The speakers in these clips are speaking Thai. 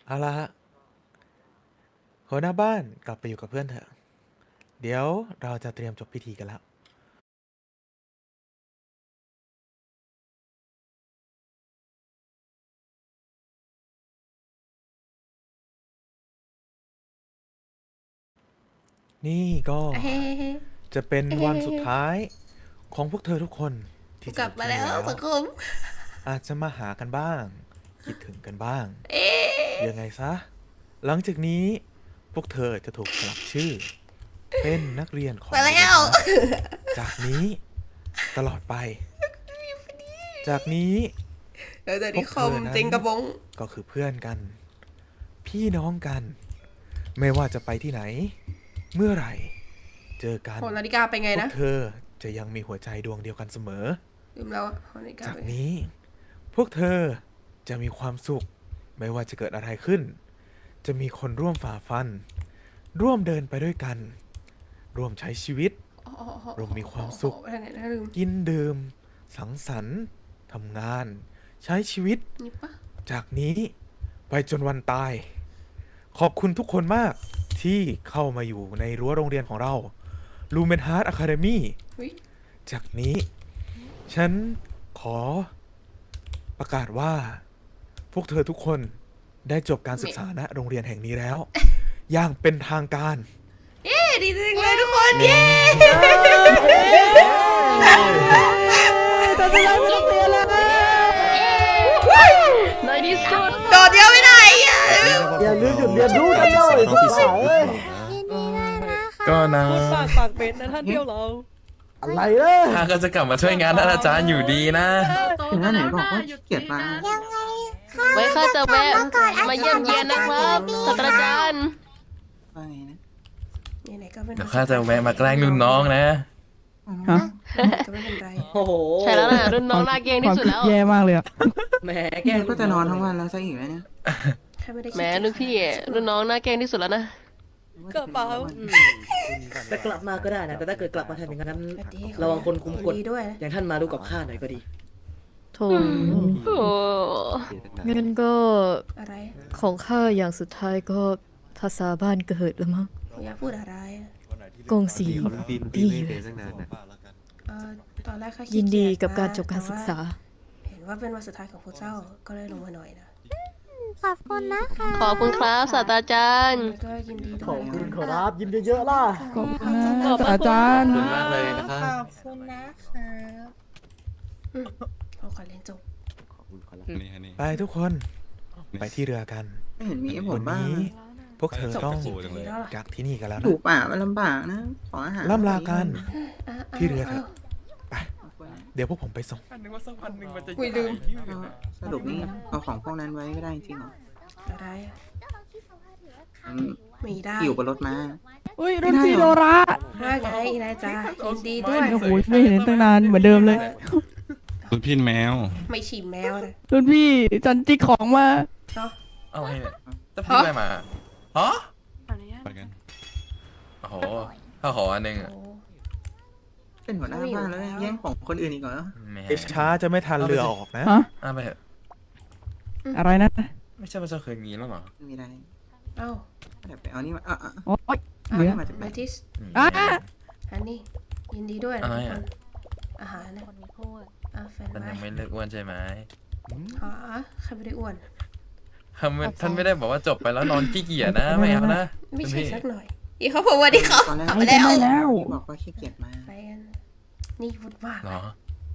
เอาละฮะหัวหน้าบ้านกลับไปอยู่กับเพื่อนเถอะ เดี๋ยวเราจะเตรียมจบพิธีกันแล้ว นี่ก็จะเป็นวันสุดท้ายของพวกเธอทุกคนที่กลับมาแล้วสังคมอาจจะมาหากันบ้าง คิดถึงกันบ้าง ยังไงซะ หลังจากนี้พวกเธอจะถูกสลักชื่อ เป็นนักเรียนของมาแล้วจากนี้ตลอดไป จากนี้แล้วเดี๋ยวนี้คอมเจงกระบงก็คือเพื่อนกัน พี่น้องกัน ไม่ว่าจะไปที่ไหน เมื่อไหร่ เจอกันโหนาฬิกาไปไงพวนะกเธอจะยังมีหัวใจดวงเดียวกันเสมอลืมแล้วอะโหนาฬิกาจากไปไงนี้ พวกเธอจะมีความสุข ไม่ว่าจะเกิดอะไรขึ้น จะมีคนร่วมฝ่าฟัน ร่วมเดินไปด้วยกัน ร่วมใช้ชีวิตอ๋อเรามีความสุขไปทางไหนนะลืมกินดื่ม สังสรรค์ทำงาน ใช้ชีวิตนี่ปะจากนี้ไปจนวันตาย ขอบคุณทุกคนมากที่เข้ามาอยู่ในรั้วโรงเรียนของเรา Lumen Heart Academy อุ๊ยจากนี้ ฉันขอประกาศว่า พวกเธอทุกคนได้จบการศึกษาณโรงเรียนแห่งนี้แล้ว อย่างเป็นทางการเย้ดีจังเลยทุกคนเย้ตอนนี้เราไม่ต้องเรียนแล้วในที่สุดโดดเดียวไม่ได้อ่ะอย่าลืมหยุดเรียนรู้กันเลยพวกเราเอ้ยก็นะปากเป็ดนะท่านเดียวเราอะไรเลยข้าก็จะกลับมาช่วยงานท่านอาจารย์อยู่ดีนะถึงแล้วไหนบอกว่าขี้เกียจมาไว้ข้าจะแวะมาเยี่ยมเยียนนะครับศาสตราจารย์ว่าไงนะไหนๆก็เป็นเดี๋ยวข้าจะแวะมาแกล้งรุ่นน้องนะฮะก็ไม่เป็นไรโอ้โหใช่แล้วนะรุ่นน้องน่าเกรงที่สุดแล้วแย่มากเลยอะแหมแกแกก็จะนอนทั้งวันแล้วซะอีกแล้วเนี่ยแค่ไม่ได้แหมลูกพี่รุ่นน้องน่าเกรงที่สุดแล้วนะกระเป๋าแต่กลับมาก็ได้นะ แต่ถ้าเกิดกลับมาทำอย่างนั้น ระวังคนคุมกฎดีด้วยนะอย่างท่านมาดูกับข้าหน่อยก็ดีโถโอ้งั้นก็อะไรของข้าอย่างสุดท้ายก็ภาษาบ้านเกิดแล้วมั้งอยากพูดอะไรอะกงสีดีอยู่ตอนแรกข้าขี้ยินดีเกีจกับการนะจบการศึกษาเห็นว่าเป็นวันสุดท้ายของพวกเจ้าก็เลยลงมาหน่อยนะขอบคุณครับศาสตราจารย์แล้วก็ยินดีด้ขวอย บคุณขอรับยิ้มเยอะๆล่ะขอบคุณอาจารย์ขอบคุณมากเลยนะครับเราขอเรียนจบไปทุกคน ไปที่เรือกันไม่เห็นมีให้ผวัมนบ้างนี้ พวกเธอต้องจบไปกี่ปีแล้วล่ะจากที่นี่กันแล้วถูนะกป่ามันลำบากนะ ขออาหารล่ำลากันอ่ะที่เรือเถอะาเดี๋ยวพวกผมไปส่งนึกว่าสักวันหนึ่งมันจะคุยลืมสรุปนี่เอาของพวกนั้นไว้ไม่ได้จริงเหรออะไรอะอืมไม่ได้อยู่บนรถมาอุ้ยรุ่นพี่โดราว่าไงนายจ๊ะยินดีด้วยโอ้โหไม่เห็นตั้งนานเหมือนเดิมเลยคุณพี่แมวไม่ฉี่แมวเลยรุ่นพี่จันจิกของมาเนาะอะไรเนี่ยจะพิมพ์อะไรมาฮะไปกันโอ้โหข้าขออันหนึ่งอะโอ้เป็นหัวหน้าบ้านแล้วแย่งของคนอื่นอีกเหรอแหมช้าจะไม่ทันเรือออกนะฮะเอาไปเถอะอะไรนะไม่ใช่ว่าเจ้าเคยมีแล้วเหรอไม่มีอะไรเอ้าเดี๋ยวไปเอานี่มาอ่ะโอ๊ยอ่ะเหลือมาจากไหนแมทิสอ่ะอันนี้ยินดีด้วยนะอะไรทุกคอะนอาหารนะแฟนท่านไว้ยังไม่เลิกอ้วนใช่ไหมอ๋อใครไม่ได้อ้วนท่านไม่ได้บอกว่าจบไปแล้วนอนขี้เกียจนะ ไม่เอานะไม่คุณใช่พี่สักหน่อยอีเขาผมว่าดีเขาตอนแรกกลับไม่มาแล้วได้แล้วบอกว่าขี้เกียจมาไปกันนี่พูดว่าเหรอ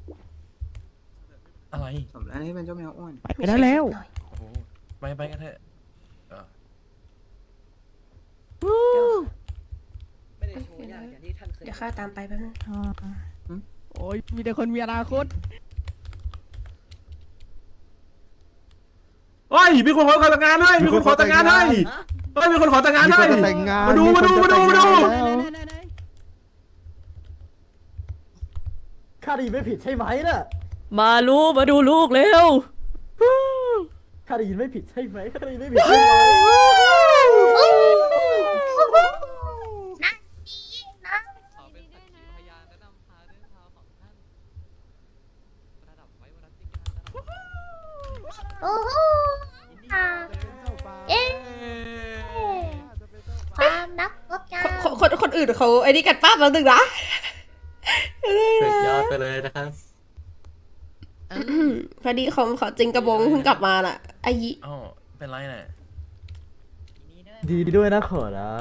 อะไรสมแล้วที่เป็นเจ้าแมวอ้วนไปได้แล้วหน่อยโอ้โหไปกันเถอะเออไม่ได้โชว์ยากอย่างที่ท่านเคยเดี๋ยวข้าตามไปแป๊บนึงโอ้ยมีแต่คนมีอนาคตเฮ้ยมีคนขอแต่งงานให้มีคนขอแต่งงานให้เฮ้ยมีคนขอแต่งงานให้มาดูข้าได้ยินไม่ผิดใช่ไหมน่ะมาดูลูกเร็วข้าได้ยินไม่ผิดใช่ไหมข้าได้ยินไม่ผิดใช่ไหมโอ้โหเอ๊ะคนอื่นเขาไอ้นี่กันป้าแป๊บนึงนะสุดยอดไปเลยนะครับพอดีเขาจริงกระบงเพิ่งกลับมาน่ะไอ้ยิอ๋อเป็นไรน่ะดีด้วยนะขอรับ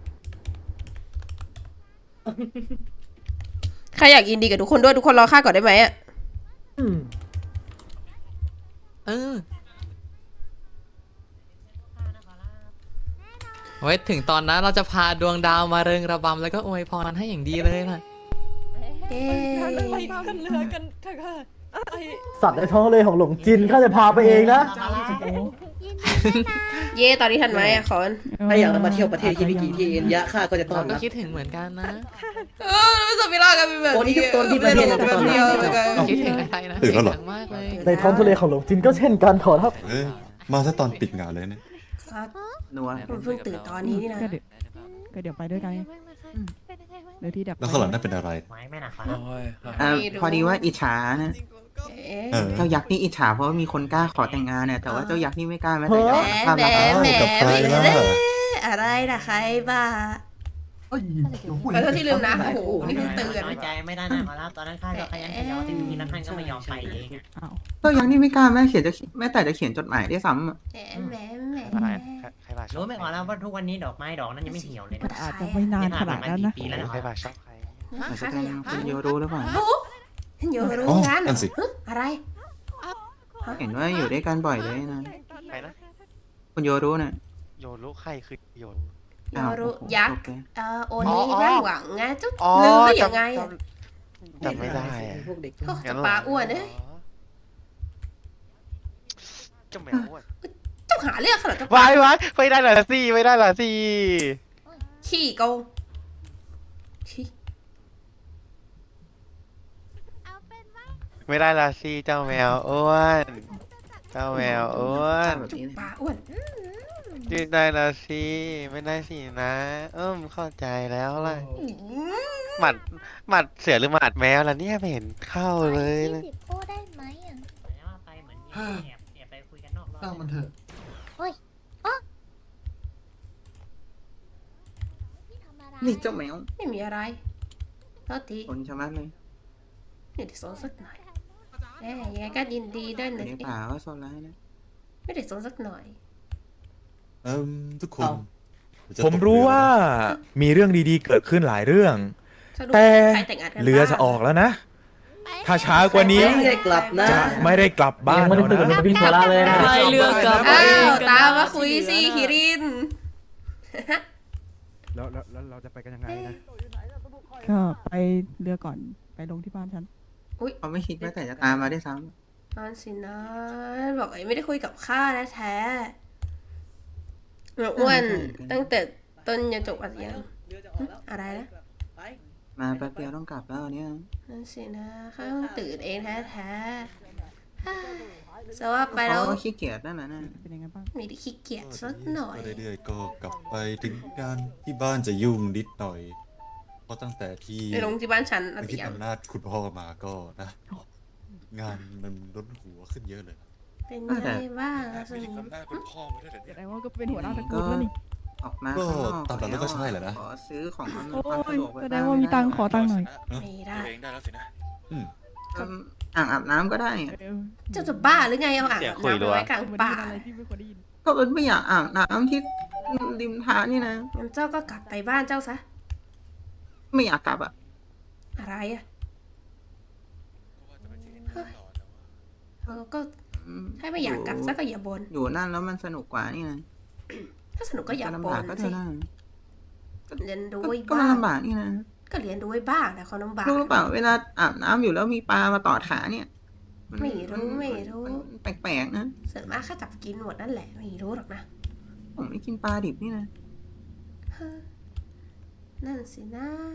ใครอยากยินดีกับทุกคนด้วยทุกคนรอข้าก่อนได้ไหมอ่ะไว้ถึงตอนนั้นเราจะพาดวงดาวมาเริงระบำแล้วก็อวยพรให้อย่างดีเลยนะเย้สัตว์ในท้องทะเลของหลงจินข้าจะพาไปเองนะเย่ตอนนี้ทันไหมอ่ะคอนถ้าอยากมาเที่ยวประเทศที่มีกี่ที่เอ็นยะข้าก็จะต้อนเราก็รับคิดถึงเหมือนกันนะไม่สมิลากันเป็นแบบคนที่ยุคต้นที่ประเทศนั้นจะต้องคิดถึงอะไรนะตื่นแล้วเหรอคิดถึงมากเลยในท้องทะเลของหลงจินก็เช่นกันขอรับมาซะตอนปิดงานเลยเนี่ยนัวผมเพิ่งตื่นตอนนี้นี่นะก็เดี๋ยวไปด้วยกันเดี๋ยวที่ดับแล้วข้างหลังนั่นเป็นอะไรโอ้ยพอดีว่าอิจฉานะเออเจ้ายักษ์นี่อิจฉาเพราะว่ามีคนกล้าขอแต่งงานเนี่ยแต่ว่าเจ้ายักษ์นี่ไม่กล้าแม้แต่จะแหข้ามมมาแหมกับใครล่ะอะไรนะใครบ้าขอโทษที่ลืมนะโอ้โหนี่เพิ่งเตือนน้อยใจไม่ได้นะขอรับตอนนั้นข้าก็ขยันขยอที่มีแล้วท่านก็ไม่ยอมไปเองอะเจ้ายักษ์นี่ไม่กล้าแม้แต่จะเขียนจดหมายได้วยซ้ำอะแหมแหมรู้ไหมขอรับว่าทุกวันนี้ดอกไม้ดอกนั้นยังไม่เหี่ยวเลยนะอาจจะไม่นานขนาดนั้นนะปีแล้วนะอาจจะเป็นคุณโยรู้หรือเปล่าโยรู้อ๋องั้นนั่นสิอะไรเห็นว่าอยู่ด้วยกันบ่อยเลยนะคุณโยรู้น่ะโยรู้อ้าวยักษ์โอเคโอนี้นั่งหวังไงจุ๊บลืมได้ยังไงอ่ะจำไม่ได้พวกเด็กโอ้จะปลาอ้วนเอ้ยเจ้าหาเรื่องขนาดเจ้าปลาไม่ได้ละสิไม่ได้ละสิขี้โกงขี้ไม่ได้ละสิเจ้าแมวอ้วนเจ้าแมวอ้วนแบบนี้นะปลาอ้วนยืนได้ละสิไม่ได้สินะเข้าใจแล้วล่ะหมัดเสือหรือหมัดแมวล่ะเนี่ยไม่เห็นเข้าเลยนะพูดได้ไหมอ่ะไปเหมือนแอบไปคุยกันนอกรอบมันเถอะพี่ทำอะไรนี่เจ้าแมวไม่มีอะไรโทษทีคนชะมัดเลยไม่ได้สนสักหน่อยแหมยังไงก็ยินดีด้วยอยู่นะในป่าก็โซนร้ายนะไม่ได้สนสักหน่อยทุกคนจะผมรู้ว่ามีเรื่องดีๆเกิดขึ้นหลายเรื่องสรุปแต่ใครแต่งงานกันเรือจะออกแล้วนะ ถ้าช้ากว่านี้ไม่ได้กลับนะจะไม่ได้กลับบ้านยังไม่ได้แล้วตื่นนะมาพิโซล่าเลยนะไปเรือกลับอ้าวตามมาคุยสิคิรินแล้วเราจะไปกันยังไงนะก็ไปเรือก่อนไปลงที่บ้านฉันเขาไม่คิดแม้แต่จะตามมาได้วยซ้นั่นสินะบอกไอ้ไม่ได้คุยกับข้าแท้ๆอ้วนตั้งแต่ต้นยันจบอัดยังอะไรนะำมาแป๊บเดียวต้องกลับแล้วเนี่ยนั่นสินะข้าเพิ่งตื่นเองแท้ๆจะว่าไปแล้วเขาก็ขี้เกียจนั่นแหละนะเป็นยังไงบ้างไม่ได้ขี้เกียจสักหน่อยเรื่อยๆก็กลับไปถึงการที่บ้านจะยุ่งนิดหน่อย เพราะตั้งแต่ที่ไปลงที่บ้านฉันอัไปดที่ยังอำนาจคุณพ่อมาก็นะ งานมันล้นหัวขึ้นเยอะเลยเป็นไงบ้างอะสนิทแสดงว่าก็เป็นหัวหน้าตระกูลแล้วนี่ออกมาข้างนอกตามนั้นก็ใช่แหละนะขอซื้อของมันโอ้ความสะยดวกไว้แสดงว่ามีตังค์ขอตังค์หน่อยไม่ได้อืมอ่างอาบน้ำก็ได้เจ้าจะบ้าหรือไงเอาอ่างน้ำไปไว้กลางมันป่าเป็นอะไรที่ไม่ควรได้ยินก็มันไม่อยากอาบน้ำที่ริมทางนี่นะงั้นเจ้าก็กลับไปบ้านเจ้าซะไม่อยากกลับอ่ะอะไรอ่ะเฮ้ยก็อืมถ้าไม่อยากกลับซะก็อย่าบนอยู่นั่นแล้วมันสนุกกว่านี่นะถ้าสนุกก็อย่าจะบลำบากนก็เธสิอได้เรียนรู้ก็ไว้ก็มันบ้างลำบากนี่นะก็เรียนรู้ไว้บ้างแต่ความลำบากรู้หรือเปล่าเวลาอาบน้ำอยู่แล้วมีปลามาตอดขาเนี่ยนไม่รู้ไม่รู้มันแปลกๆนะส่วนมากข้าจับกินหมดนั่นแหละไม่รู้หรอกนะผมไม่กินปลาดิบนี่นะเฮ้อนั่นสินะ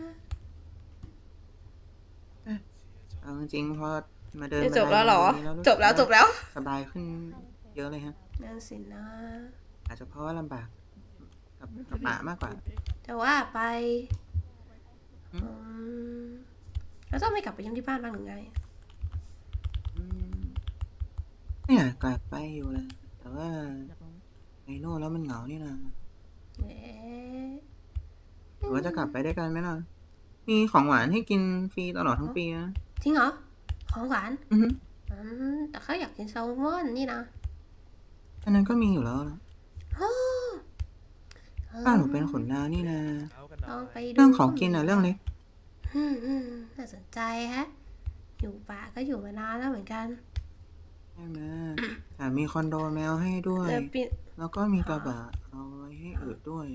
เอาจริงๆพอมาเดินจบแล้วเหรอมาได้จบแล้วจบแล้วสบายขึ้นเยอะเลยฮะนั่นสินะอาจจะเพราะว่าลำบากกับป่ามากกว่าแต่ว่าไปอืมแล้วเจ้าไม่กลับไปเยี่ยมที่บ้านบ้างหรือไงอืมไม่อยากกลับไปอยู่เลยแต่ว่าไปโน่นแล้วมันเหงานี่นะเอ๊ะเวว่าจะกลับไปด้วยกันไหมล่ะ มีของหวานให้กินฟรีตลอดทั้งปีนะจริงเหรอ ของหวานอือฮึแต่เขาอยากกินแซลมอนนี่นะอันนั้นก็มีอยู่แล้วล่ะโอ้บ้านหนูเป็นขนนางนี่นะลองไปดูเรื่องของกินน่ะเรื่องเล็กน่าสนใจฮะ อยู่ป่าก็อยู่มานานแล้วเหมือนกันใช่ไหมแต่มีคอนโดแมวให้ด้วยแล้วปีแล้วก็มีกระบะเอาไว้ให้อึด้วย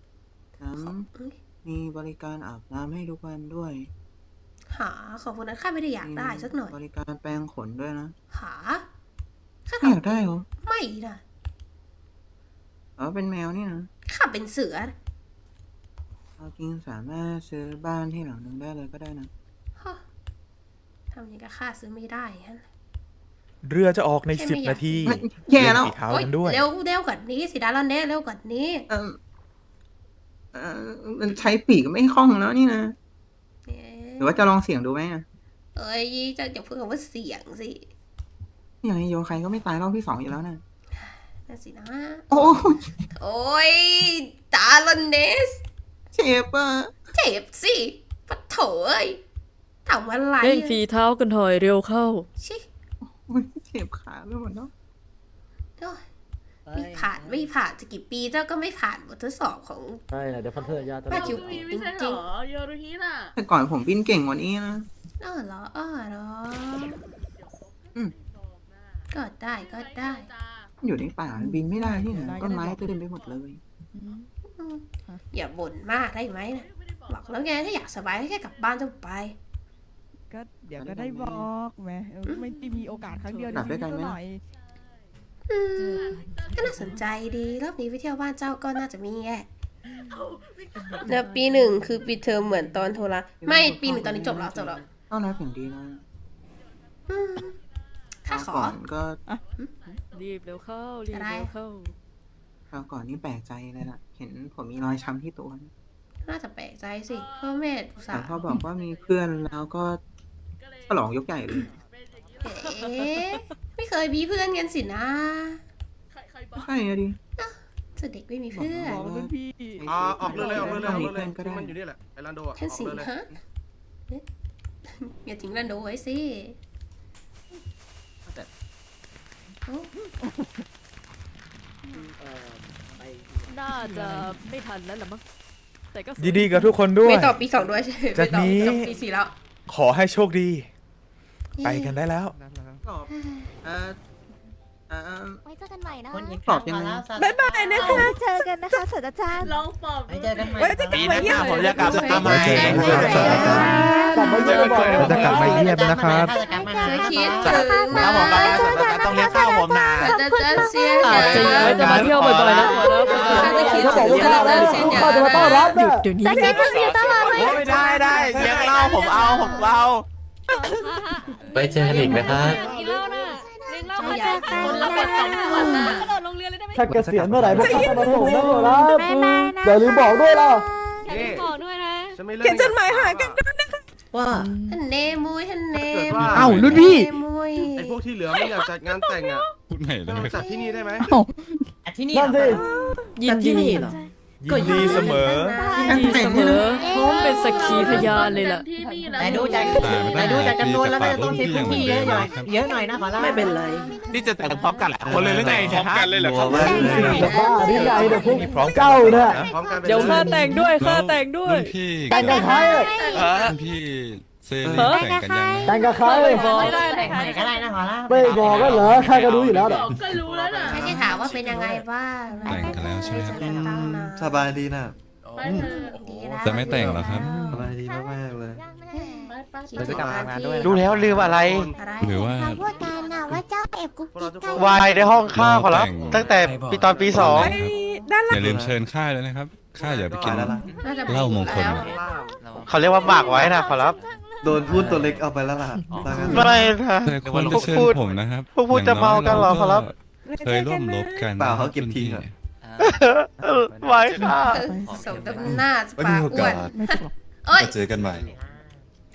มีบริการอาบน้ำให้ทุกวันด้วยหาของพวกนั้นข้าไม่ได้อยากได้สักหน่อยบริการแปรงขนด้วยนะหาข้าไม่อยากได้เหรอไม่นะเป็นแมวนี่นะข้าเป็นเสือนะเอาจริงสามารถซื้อบ้านที่หลังนึงได้เลยก็ได้นะฮะทำอย่างกับข้าซื้อไม่ได้ฮะเรือจะออกในแค่ไม่อยาก 10 นาทีแย่แล้วเล่นฝีเท้าโอ๊ยกันด้วยเร็วกว่านี้สิดารันเน่เร็วกว่านี้มันใช้ปีกไม่คล่องแล้วนี่นะเอ๊ะหรือว่าจะลองเสี่ยงดูไหมอะเอ้ยจะอย่าพูดคำว่าเสียงสิอย่างนี้โยใครก็ไม่ตายรอบที่2อยู่แล้วนะนั่นสินะโอ้โอ้ยดารันเนสเจ็บอ่ะเจ็บสิปะโถเอ้ยทำอะไรเร่งฝีเท้ากันหน่อยเร็วเข้าชิโอ้ยเจ็บขาไปหมดแล้วโอ้ยไม่ผ่านจะกี่ปีเจ้าก็ไม่ผ่านบททดสอบของใช่นะเดี๋ยวพันเทอร์ยาจะป้าคิวปิดจริงโยรุฮิน่ะแต่ก่อนผมบินเก่งกว่านี้นะๆเหรอเหรออืมก็ได้อยู่ในป่าบินไม่ได้ที่ไหนต้นไม้เต็มไปหมดเลยอย่าบ่นมากได้ไหมนะบอกแล้วไงถ้าอยากสบายก็แค่กลับบ้านจะไปก็เดี๋ยวก็ได้บอกแม่ไม่ได้มีโอกาสครั้งเดียวกลับด้วยกันไหมก็น่าสนใจดีรอบนี้ไปเที่ยวบ้านเจ้าก็น่าจะมีแย่แล้วปีหนึ่งคือปีเทอมเหมือนตอนโทรไม่ปีหนึ่งตอนนี้จบแล้วต้อนรับอย่างดีนะข้าขอก่อนก็รีบเร็วเข้า รีบเร็วเข้าคราวก่อนนี่แปลกใจเลยล่ะ เห็นผมมีรอยช้ำที่ตัวน่าจะแปลกใจสิพ่อแม่อุตส่าแต่ห์พอบอกว่ามีเพื่อนแล้วก็ฉลองยกใหญ่เลยเอ๊ะไม่เคยมีเพื่อนกันสินะใช่อะดิจะเด็กไม่มีเพื่อนบอกว่าพี่ออกเรือเลยออกเรือเลยออกเรือเลยก็ได้มันอยู่นี่แหละไอรันโดอ่ะท่านออกสิงเรือเลยฮะเอ๊ะอย่าทิ้งรันโดไว้สิโอ้น่าจะไม่ทันแล้วล่ะมั้ง แต่ก็ยินดีกับทุกคนด้วยไม่ต่อปีสองด้วยใช่ไหมจากนี้ไม่ต่อปีสี่แล้วขอให้โชคดี ไปกันได้แล้วตอบไว้เจอกันใหม่นะตอบยังไงบ๊ายบายนะคะเจอกันนะคะศาสตราจารย์ลองปอบเจอกันใหม่ปีหน้าผมจะกลับมาใหม่กลับมาเยี่ยมบ่อยจะกลับมาเยี่ยมนะครับเคยคิดถึงแล้วผมกับศาสตราจารย์ต้องเลี้ยงข้าวผมนะจะเสียอาจจะยังไม่จะมาเที่ยวบ่อยๆนะหัวหน้าเขาบอกว่าข้าวแล้วข้าวจะมาต้อนรับหยุเนี่ยดเดี๋ยวนี้จะคิดถึงอยู่ตลอดเลยไม่ได้เลี้ยงเหล้าผมเอาไว้เจอกันอีกนะครับกินเหล้าน่ะเลี้ยงเหล้าอยากคนละบท2 คนน่ะกระโดดโรงเรียนเลยได้ไหมถ้าเกษียณเมื่อไหร่พวกข้าจะมาส่งนะหัวหน้าบ๊ายบายนะอย่าลืมบอกด้วยล่ะบอกด้วยนะเขียนจดหมายหากันว่าท่านเนมุยท่านเนเกิดมุว่ายเอ้ารุ่นพี่เนมุยไอพวกที่เหลือไม่อยากจัดงานแต่งอ่ะพูดใหม่เลยจัดที่นี่ได้ไหมที่นี่นั่นสิยินดีเหรอยินดีเสมอยินดีเสมอพร้อมเป็นสักขีพยานเลยล่ะแต่ดูจากจำนวนแล้วน่าจะต้องใช้พื้นที่เยอะหน่อยนะขอรับไม่เป็นไรนี่จะแต่งพร้อมกันแหละคนเลยหรือไงพร้อมกันเลยเหรอครับจะบ้าที่ไหนเดี๋ยวพวกเจ้าเนี่ยพร้อมกันไปเดี๋ยวข้าแต่งด้วยข้าแต่งด้วยพี่แต่งกับใครพี่เซนแต่งกันยังแต่งกับใครบอกแต่งไหนก็ได้นะขอรับไม่บอกก็เหรอข้าก็รู้อยู่แล้วเด้อก็รู้แล้วน่ะแค่ที่ถามว่าเป็นยังไงบ้างแต่งกันแล้วใช่ไหมครับตั้งนานสบายดีนะไปเถอะดีแล้วจะไม่แต่งเหรอครับสบายดีมากๆเลยคิดถึงงานด้วยรู้แล้วลืมอะไรอะไรหรือว่าเราพูดกันนะว่าเจ้าแอบกุ๊กกิ๊กกันวายในห้องข้าขอรับ ตั้งแต่ปีตอนปีอย่าลืมเชิญข้าด้วยนะครับข้าอย่าไปกินน่าจะเหล้ามงคลแล้ว 2เขาเรียกว่าหมากไว้นะขอรับโดนพูดตัวเล็กเอาไปแล้วล่ะไม่นะแต่ควรจะเชิญผมนะครับพวกพูดจะเมากันเหรอครับเคยร่วมรบกันเปล่าเขาเก็บทิ้งอะไว้ค่ะสมน้ำหน้าไม่ปามีกโออ้วกาน สเอ้ยจะเจอกันใหม่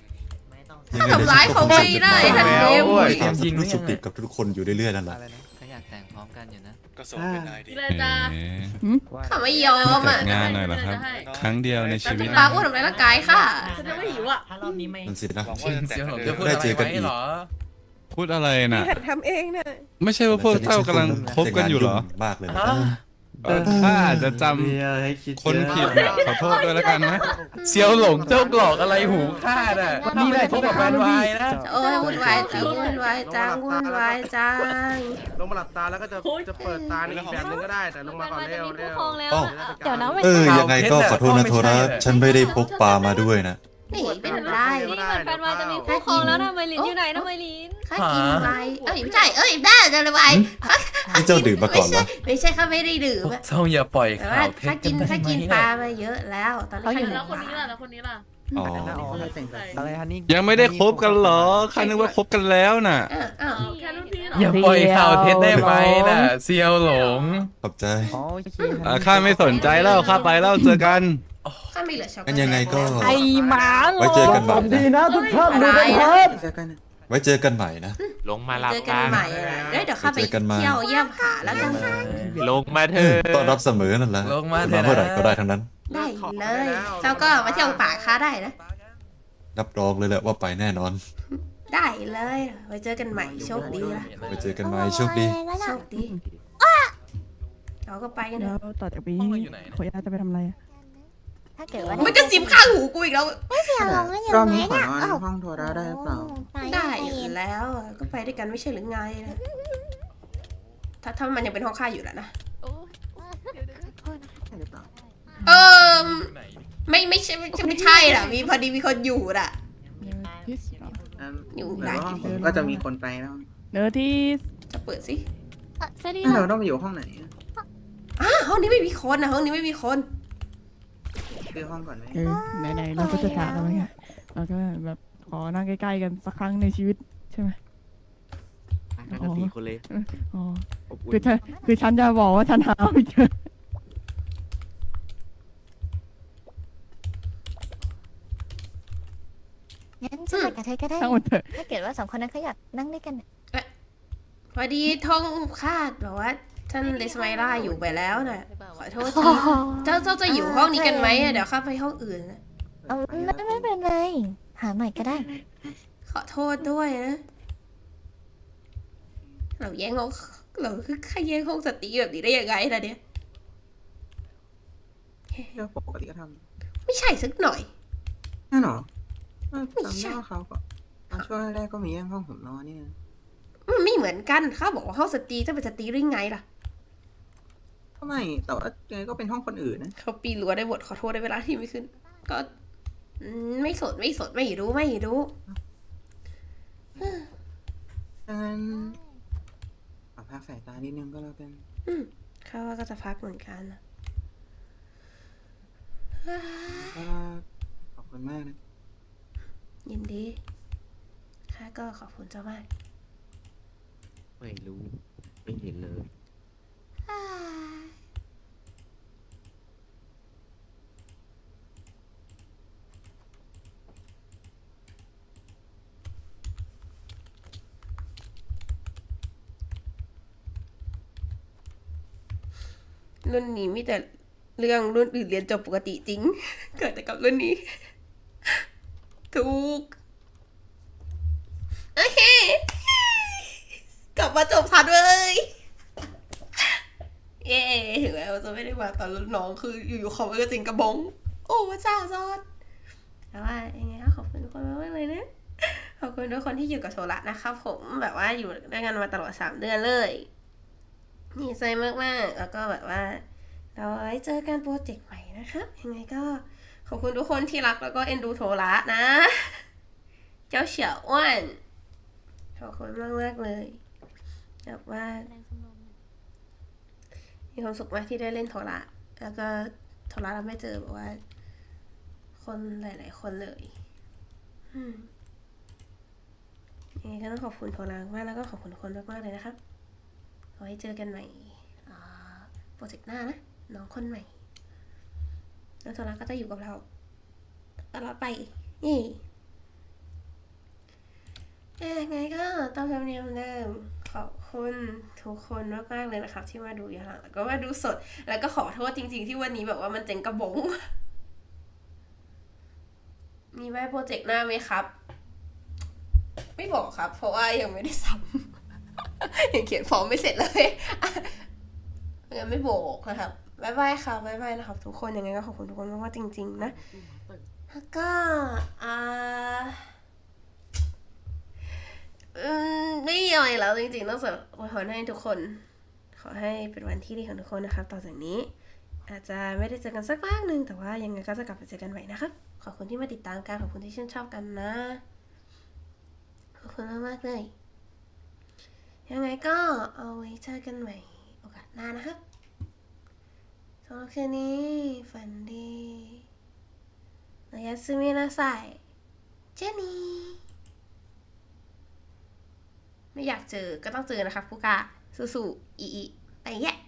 ถ้าทำร้ายเขาไม่ได้ท่านเนมุยทำให้รู้สึกติดกับทุกคนอยู่เรื่อยๆนั่นแหละอยากแต่งพร้อมกันอยู่นะก็ส่งเป็นนายดีเลยจ้าเขาไม่ยอมอ่ะงานหน่อยเหรอครับครั้งเดียวในชีวิตปลาอ้วนทำร้ายร่างกายค่ะฉันจะไม่หิวอ่ะถ้ารอบนี้ไม่นั่นสินะหวังว่าจะแต่งเสี่ยวหลงเร็จะวพูดได้อะไรเจอกันไว้อีกเหรอพูดอะไรน่ะทำเองเนี่ยไม่ใช่ว่าพวกเจ้ากำลังคบกันอยู่เหรอมากเลยนะถ้าอาจจะจำคนผิดเนี่ยขอโทษด้วยแล้วกันนะเสี่ยวหลงเจ้าหลอกอะไรหูข้าน่ะนี่ได้พบกับแฟนวายนะโอ้ยวุ่นวายจังวุ่นวายจังวุ่นวายจังลงมาหลับตาแล้วก็จะเปิดตาในอีกแบบนึงก็ได้แต่ลงมาก่อนเร็วอ้อเดี๋ยวนะไม่ยังไงก็ขอโทษนะโทระฉันไม่ได้พกปลามาด้วยนะนี่เป็นไรแฟนวายจะมีคู่ครองแล้วนะไมลินอยู่ไหนนะไมลินข้ากินไวเอ้ยไม่ใช่บ้าจะเลยไวนี่เจ้าดื่มมาก่อนเหรอไม่ใช่ข้าไม่ได้ดื่มพวอะกเจ้าอย่าปล่อยแต่ข่าว่าวเท็จข้ากักินนได้ไหมปลาเนี่ยมาเยอะแล้วตอนนี้ข้าอยู่แล้วคนนี้ล่ะแล้วคนนี้ล่ะอ๋ออะไรฮันนี่ยังไม่ได้คบกันเหรอข้านึกว่าคบกันแล้วน่ะอ้าวแค่รุ่นพี่เหรออย่าปล่อยข่าวเท็จได้ไหมน่ะเสี่ยวหลงขอบใจข้าไม่สนใจแล้วข้าไปแล้วเจอกันข้าไม่เหลือช็อกโกกันแลตยังไงก็ไอ้หมาไว้เจอกันใหม่ดีนะนะทุกท่านดูกันเถิดเจอกันนะไว้เจอกันใหม่นะลงมารับเจอกันใหม่อะเดี๋ยวข้าไปเจอกันใหม่เที่ยวเยี่ยมหาแล้วกันลงมาเถอะต้อนรับเสมอนั่นแหละลงมาเถอะนะเมื่อไหร่ก็ได้ทั้งนั้นได้เลยเจ้าก็มาเที่ยวป่าข้าได้นะรับรองเลยแหละว่าไปแน่นอนได้เลยไว้เจอกันใหม่โชคดีละไว้เจอกันใหม่โชคดีโชคดีเราก็ไปกันเถแล้วอะต่อจากนี้ห้องเราอยู่ไหนเนี่ยขออนุญาตจะไปทำอะไรถ้าเกิดว่ามันจะสิบข้างหูกูอีกแล้วรอบนี้ขอนอนห้องโทระได้หรือเปล่าได้แล้วก็ไปด้วยกันไม่ใช่หรือไงนะถ้ามันยังเป็นห้องข้าอยู่แหละนะใช่หรือเปล่าเออไม่ใช่หรอมีพอดีมีคนอยู่น่ะ อยู่ไหนแต่ว่าห้องผมก็จะมีคนไปแล้วเนื้อที่จะเปิดสิสวัสดีเราต้องไปอยู่ห้องไหนอะห้องนี้ไม่มีคนนะห้องนี้ไม่มีคนคือห้องก่อนไหมไหนๆเราก็จะจากกันแล้วไงเราก็แบบขอนั่งใกล้ๆกันสักครั้งในชีวิตใช่ไหมสี่คนเลยอ๋อคือฉันจะบอกว่าฉันหาไม่เจองั้นฉันไปกับเธอก็ได้ทั้งหมดเถอะถ้าเกิดว่าสองคนนั้นเขาอยากนั่งด้วยกันพอดีท้องคาดแบบว่าท่านเดสไมล่าอยู่ไปแล้วน่ะขอโทษทีเจ้าจะอยู่ห้องนี้กันไหมเดี๋ยวข้าไปห้องอื่นนะเอาไม่เป็นไร หาใหม่ก็ได้ขอโทษด้วยนะเราแย่งห้องเราคือใครแย่งห้องสตรีแบบนี้ได้ยังไงล่ะเนี่ยเรื่องปกติก็ทไม่ใช่สักหน่อยำนั่นหรอจำได้ว่าเขาก็ตอนช่วงแรกๆก็มีแย่งห้องผมนอนนี่นะมันไม่เหมือนกันข้าบอกว่าห้องสตรีจะเป็นสตรีได้ไงล่ะก็ไม่แต่ว่ายังไงก็เป็นห้องคนอื่นนะเขาปีนรั้วได้บทขอโทษได้เวลาที่ไม่ขึ้น ก็ไม่สดไม่รู้ดังนั้นขอพักสายตานิดนึงก็แล้วกันข้าว่าก็จะพักเหมือนกันนะก็ขอบคุณมากนะยินดีข้าก็ขอบคุณเจ้ามากไม่รู้ ไม่เห็นเลยรุ่นนี้มีแต่เรื่องรุ่นอื่นเรียนจบปกติจริง เกิดแต่กับรุ่นนี้ ถูก โอเค กลับมาจบทันเลยเย้ถึงแม้ว่าจะไม่ได้มาตอนรุ่นน้องคืออยู่ๆเขาก็จริงกระบง โอ้พระเจ้าซอดแต่ว่ายังไงก็ขอบคุณทุกคนมากๆเลยนะ ขอบคุณทุกคนที่อยู่กับโซละนะครับผมแบบว่าอยู่ด้วยกันมาตลอด3 เดือนเลยดีใจมากๆแล้วก็แบบว่าเราไว้เจอกันโปรเจกต์ใหม่นะครับยังไงก็ขอบคุณทุกคนที่รักแล้วก็เอ็นดูโทระนะ เจ้าเฉียวอ้วนขอบคุณมากๆเลยแบบว่ามีความสุขมากที่ได้เล่นโทระแล้วก็โทระเราไม่เจอแบบว่า คนหลายๆคนเลยยังไงก็ต้องขอบคุณโทระมากแล้วก็ขอบคุณทุกคนมากๆเลยนะครับเอาไว้เจอกันใหม่โปรเจกต์หน้านะน้องคนใหม่แล้วโทระก็จะอยู่กับเราตลอดไปนี่ยังไงก็ตามธรรมเนียมเดิมขขอบคุณทุกคนมากๆเลยนะครับ ที่มาดูย้อนหลังแล้วก็มาดูสด แล้วก็ขอโทษจริงๆที่วันนี้แบบว่ามันเจ๋งกระบง มีไว้โปรเจกต์หน้าไหมครับ ไม่บอกครับ เพราะว่ายังไม่ได้ซ้ำ ยังเขียนฟอร์มไม่เสร็จเลยยังไม่บอกนะครับบ๊ายบายค่ะบ๊ายบายนะครับ ทุกคนยังไงก็ขอบคุณทุกคนมากๆจริงๆนะแล้วก็ไม่มีอะไรแล้วจริงๆนอกจากอวยพรให้ทุกคน ขอให้เป็นวันที่ดีของทุกคนนะครับ ต่อจากนี้ อาจจะไม่ได้เจอกันสักพักหนึ่งแต่ว่ายังไงก็จะกลับมาเจอกันใหม่นะครับ ขอบคุณที่มาติดตามกันขอบคุณที่ชื่นชอบกันนะ ขอบคุณมากๆเลย ยังไงก็เอาไว้เจอกันใหม่โอกาสหน้านะครับสำหรับคืนนี้ฝันดีโอやすみなさいเจนี่ไม่อยากเจอก็ต้องเจอนะครับผู้กาสู้ๆอีไปแยะ